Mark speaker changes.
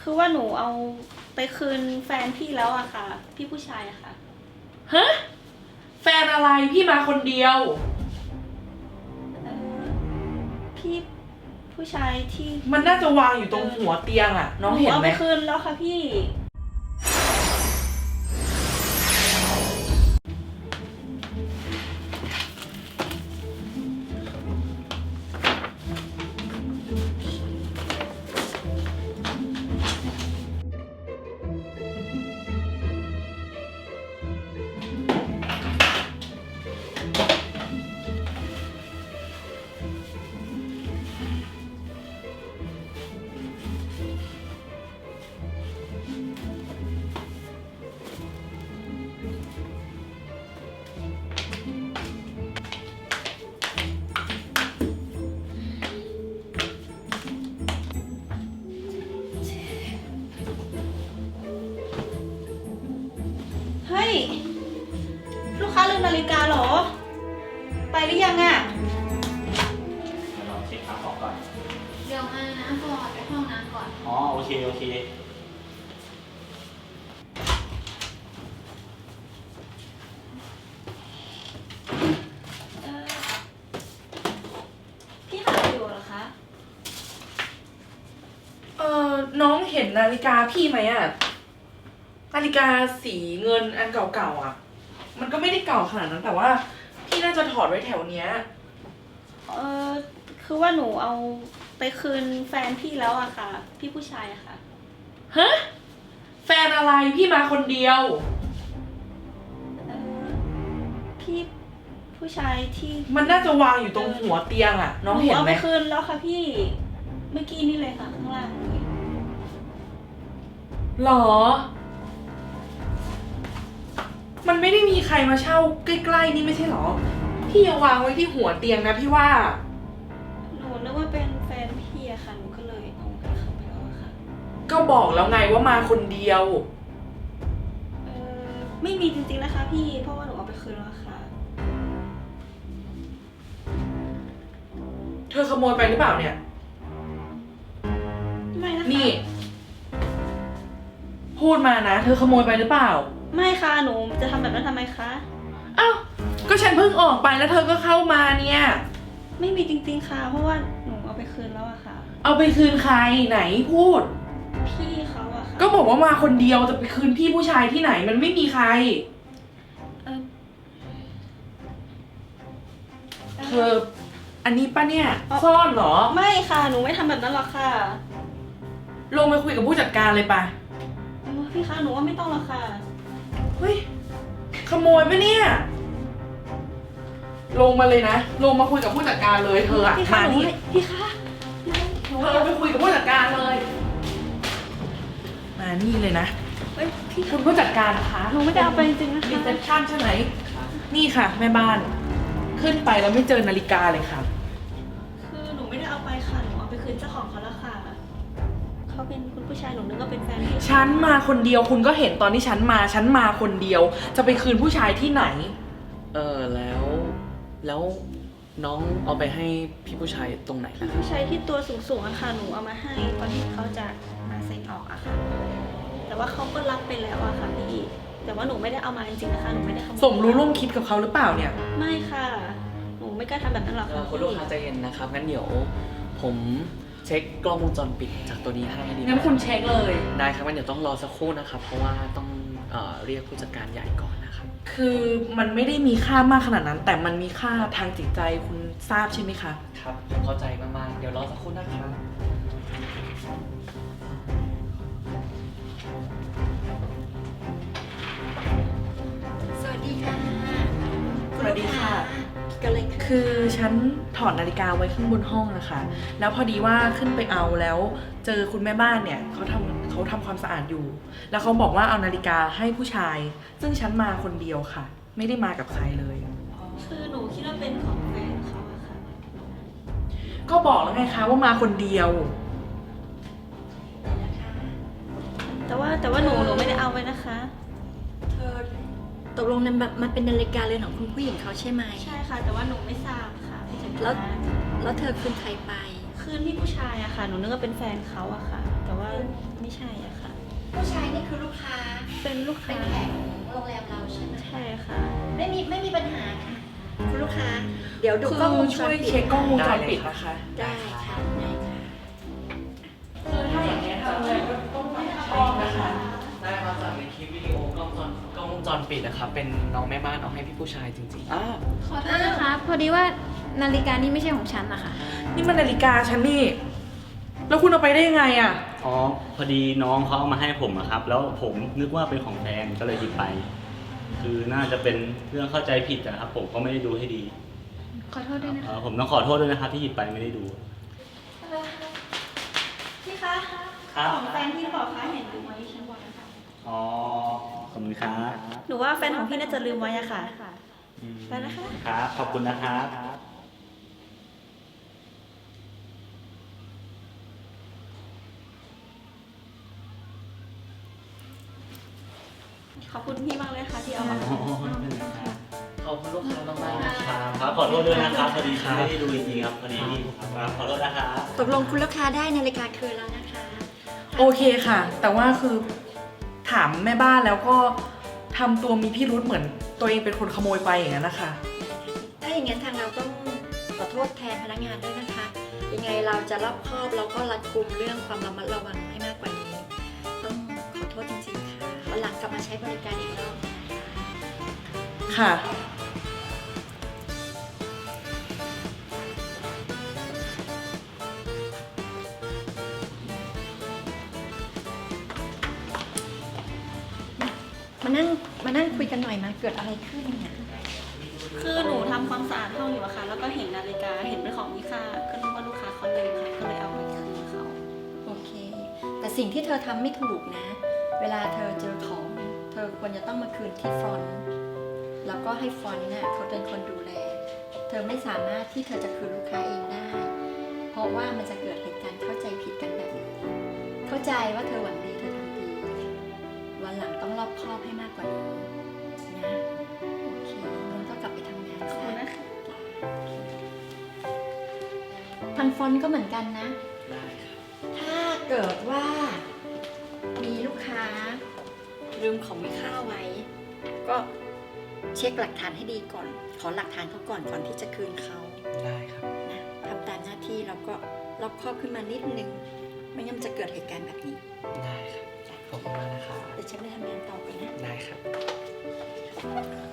Speaker 1: คือว่าหนูเอาไปคืนแฟนพี่แล้วอะค่ะพี่ผู้ชายอะค่ะ
Speaker 2: ฮะแฟนอะไรพี่มาคนเดียว
Speaker 1: พี่ผู้ชายที่
Speaker 2: มันน่าจะวางอยู่ตรงหัวเตียงอะน้องเห็นไหม
Speaker 1: เอาไปคืนแล้วค่ะพี่เฮ้ยลูกค้าลืมนาฬิกาเหรอไปหรือยังอะ
Speaker 3: ลองเช็คของก่อน
Speaker 4: เดี๋ยวมานะฟอร์ดไปห้องน้ำก่อน
Speaker 3: อ๋อ โอเค โอเค
Speaker 1: พี่หาอยู่เหรอคะ
Speaker 2: น้องเห็นนาฬิกาพี่ไหมอะนาฬิกาสีเงินอันเก่าๆอะมันก็ไม่ได้เก่าขนาดนั้นแต่ว่าพี่น่าจะถอดไว้แถวเนี้ย
Speaker 1: คือว่าหนูเอาไปคืนแฟนพี่แล้วอะค่ะพี่ผู้ชายอะค่ะ
Speaker 2: ฮะแฟนอะไรพี่มาคนเดียว
Speaker 1: พี่ผู้ชายที่
Speaker 2: มันน่าจะวางอยู่ตรงหัวเตียงอะน้องเห็นไหม
Speaker 1: เอาไปคืนแล้วค่ะพี่เมื่อกี้นี่เลยค่ะข้างล่างนี้
Speaker 2: หรอมันไม่ได้มีใครมาเช่าใกล้ๆนี่ไม่ใช่หรอพี่เอาวางไว้ที่หัวเตียงนะพี่ว่า
Speaker 1: หนูนึกว่าเป็นแฟนพี่อะค่ะหนูก็เลยเอาให้เขาไปแล้วอะค่ะ
Speaker 2: ก็บอกแล้วไงว่ามาคนเดียว
Speaker 1: ไม่มีจริงๆนะคะพี่เพราะว่าหนูเอาไปคืนแล้วค่ะ
Speaker 2: เธอขโมยไปหรือเปล่าเนี่ย
Speaker 1: ไม่นะคะ
Speaker 2: นี่พูดมานะเธอขโมยไปหรือเปล่า
Speaker 1: ไม่ค่ะหนูจะทำแบบนั้นทำไมคะ
Speaker 2: อ้าวก็ฉันเพิ่งออกไปแล้วเธอก็เข้ามาเนี่ย
Speaker 1: ไม่มีจริงๆค่ะเพราะว่าหนูเอาไปคืนแล้วอะค่ะ
Speaker 2: เอาไปคืนใครไหนพูด
Speaker 1: พี่เขาอะค่ะ
Speaker 2: ก็บอกว่ามาคนเดียวจะไปคืนพี่ผู้ชายที่ไหนมันไม่มีใครเธออันนี้ป่ะเนี่ยซ่อนเหรอ
Speaker 1: ไม่ค่ะหนูไม่ทำแบบนั้นหรอกค่ะ
Speaker 2: ลงไปคุยกับผู้จัดการเลยป่ะ
Speaker 1: พี่คะหนูว่าไม่ต้องหรอกค่ะ
Speaker 2: เฮ้ยขโมยป่ะเนี่ยลงมาเลยนะลงมาคุยกับผู้จัดการเลยเธออะมานี่
Speaker 1: พี่คะ
Speaker 2: เธอไปคุยกับผู้จัดการเลยมานี่เลยนะ
Speaker 1: เฮ้ยพี่
Speaker 2: คุณผู้จัดการคะ
Speaker 1: หนูไม่ได้เอาไปจริงๆนะคะ
Speaker 2: รีเซพชั่นใช่ไหมนี่ค่ะแม่บ้านขึ้นไปแล้วไม่เจอนาฬิกาเลยค่ะ
Speaker 1: คือหนูไม่ได้เอาไปค่ะหนูเอาไปคืนเจ้าของเขาแล้วค่ะเขาเป็นคุณผู้ชายหนูนึกว่าเป็นแฟนพี่
Speaker 2: ฉันมาคนเดียวคุณก็เห็นตอนที่ฉันมาคนเดียวจะไปคืนผู้ชายที่ไหน
Speaker 3: แล้วน้องเอาไปให้พี่ผู้ชายตรงไหนล่ะครับ
Speaker 1: ผู้ชายที่ตัวสูงๆอะค่ะหนูเอามาให้ตอนที่เขาจะมาเซ็นออกอะค่ะแต่ว่าเขาก็รับไปแล้วอะค่ะพี่แต่ว่าหนูไม่ได้เอามาจริงๆนะคะหนูไม่ได้
Speaker 2: สมรู้ร่วมคิดกับเขาหรือเปล่าเนี่ย
Speaker 1: ไม่ค่ะหนูไม่กล้าทำแบบนั้นหรอกค่ะ
Speaker 3: คุณลูกค้าใจเย็นนะครับงั้นเดี๋ยวผมเช็คกล้องวงจรปิดจากตัวนี้ให้ดี
Speaker 2: งั้นคุณเช็คเลย
Speaker 3: ได้ครับงั้นเดี๋ยวต้องรอสักครู่นะครับเพราะว่าต้องเรียกผู้จัดการใหญ่ก่อนนะครับ
Speaker 2: คือมันไม่ได้มีค่ามากขนาดนั้นแต่มันมีค่าทางจิตใจคุณทราบใช่ไหมคะ
Speaker 3: ครับผมเข้าใจมากๆเดี๋ยวรอสักครู่นะครับ
Speaker 4: สวัสดีค่ะ
Speaker 2: สวัสดีค่ะ
Speaker 4: ก็เลย
Speaker 2: คือฉันถอดนาฬิกาไว้ข้างบนห้องนะคะแล้วพอดีว่าขึ้นไปเอาแล้วเจอคุณแม่บ้านเนี่ยเขาทำความสะอาดอยู่แล้วเขาบอกว่าเอานาฬิกาให้ผู้ชายซึ่งฉันมาคนเดียวค่ะไม่ได้มากับใครเลย
Speaker 1: คือหนูคิดว่าเป็นของแฟนเขาอะค่ะ
Speaker 2: ก็บอกแล้วไงคะว่ามาคนเดียว
Speaker 1: แต่ว่าหนูไม่ได้เอาไว้นะคะ
Speaker 4: เธอตกลงนั้นแบบมันเป็นนาฬิกาเรือนของคุณผู้หญิงเขาใช่ไหม
Speaker 1: ใช่ค่ะแต่ว่าหนูไม่ทราบค่ะพี่จักร
Speaker 4: แล้วเธอคืนใครไป
Speaker 1: คืนพี่ผู้ชายอะค่ะหนูนึกว่าเป็นแฟนเขาอะค่ะแต่ว่าไม่ใช่อะเป็นลูก
Speaker 4: เป็
Speaker 1: ค้าน
Speaker 4: แขกของโรงแรมเราใช่ไหม
Speaker 1: ใช่ค่ะ
Speaker 4: ไม่มีปัญหาค่ะคุณลูกค้า เดี๋ยวดู
Speaker 2: คื
Speaker 4: กล้องว
Speaker 2: อง
Speaker 4: จ
Speaker 2: ช่
Speaker 4: ร
Speaker 2: วย
Speaker 4: ปิด
Speaker 2: เช็คกล้องวงจรปิดนะคะ
Speaker 4: ได้ค่ะได้ค่ะ
Speaker 2: คือถ้าอย่างนี้ยทางโรงแรมก็ต้องรับผิดชอบนะคะ
Speaker 3: ได้มาจากในคลิปวิดีโอกล้องวงจรปิดนะครับเป็นน้องแม่บ้านเอาให้พี่ผู้ชายจริงๆ
Speaker 5: ขอโทษนะคะ พอดีว่านาฬิกานี่ไม่ใช่ของฉันนะคะ
Speaker 2: นี่มันนาฬิกาฉันนี่ แล้วคุณเอาไปได้ยังไงอ่ะ
Speaker 6: อ๋อพอดีน้องเขาเอามาให้ผมอะครับ แล้วผมนึกว่าเป็นของแฟนก็เลยหยิบไป คือน่าจะเป็นเรื่องเข้าใจผิดนะครับ ผมก็ไม่ได้ดูให้ดี
Speaker 5: ขอโทษด้วยนะคะ
Speaker 6: ผมต้องขอโทษด้วยนะครับที่หยิบไปไม่ได้ดู
Speaker 1: พี่คะ
Speaker 6: ครับ
Speaker 1: ของแฟนพี่หรือเปล่าคะเห็นลืมไว้ที่ชั้นบนนะคะ
Speaker 6: อ๋อขอบคุณครับ
Speaker 1: หนูว่าแฟนของพี่น่าจะลืมไว้อะค่ะ
Speaker 6: อืม
Speaker 1: ไปนะคะ
Speaker 6: ครับขอบคุณนะครับ
Speaker 1: ขอบคุณพี่มากเลยค่ะที่เอามา
Speaker 3: ขอบคุณลูกค้ามากๆนะครับ
Speaker 6: ครับขอโทษด้วยนะครับพอดีไม่ได้ดูจริงๆครับพอดีครับขอโทษนะครับ
Speaker 4: ตกลงคุณลูกค้าได้นาฬิกาคืนแล้วนะคะ
Speaker 2: โอเคค่ะ แต่ว่าคือถามแม่บ้านแล้วก็ทำตัวมีพิรุธเหมือนตัวเองเป็นคนขโมยไปอย่างนั้นนะคะ
Speaker 4: ถ้าอย่างนั้นทางเราต้องขอโทษแทนพนักงานด้วยนะคะ ยังไงเราจะรอบคอบแล้วก็รัดกุมเรื่องความระมัดระวังให้มากกว่านี้ ต้องขอโทษจริงๆค่ะวันหลังกลับมาใช้บริการอีกรอบนะคะ
Speaker 2: ค่ะ
Speaker 4: มานั่งคุยกันหน่อยมาเกิดอะไรขึ้นเนี่ย
Speaker 1: คือหนูทำความสะอาดห้องอยู่อะค่ะ แล้วก็เห็นนาฬิกา เห็นเป็นของมีค่า ก็นึกว่าลูกค้าเขาลืมค่ะ ก็เลยเอาไปคืนเขา
Speaker 4: โอเค แต่สิ่งที่เธอทำไม่ถูกนะ เวลาเธอเจอของ เธอควรจะต้องมาคืนที่ฟรอนต์แล้วก็ให้ฟรอนต์น่ะเขาเป็นคนดูแล เธอไม่สามารถที่เธอจะคืนลูกค้าเองได้ เพราะว่ามันจะเกิดเหตุการณ์เข้าใจผิดกันแบบนี้เข้าใจว่าเธอหวังดีเธอทำดี วันหลังต้องรอบคอบให้มากกว่านี้นะ โอเคงั้นก็กลับไปทำงาน
Speaker 1: ขอบ
Speaker 4: ซะ
Speaker 1: คุณนะคะ
Speaker 4: ทางฟอนต์ก็เหมือนกันนะ
Speaker 3: ได้ครับ
Speaker 4: ถ้าเกิดว่ามีลูกค้าลืมของมีค่าไว้ ก็เช็คหลักฐานให้ดีก่อน ขอหลักฐานเขาก่อนที่จะคืนเขา
Speaker 3: ได้ครับ
Speaker 4: นะทำตามหน้าที่แล้วก็รอบคอบขึ้นมานิดนึง ไม่งั้นมันจะเกิดเหตุการณ์แบบนี้
Speaker 3: ได้ครับ ขอบคุณมากนะครับ
Speaker 4: เดี๋ยวฉันไปทำงานต่อกันนะ
Speaker 3: ได้ครับ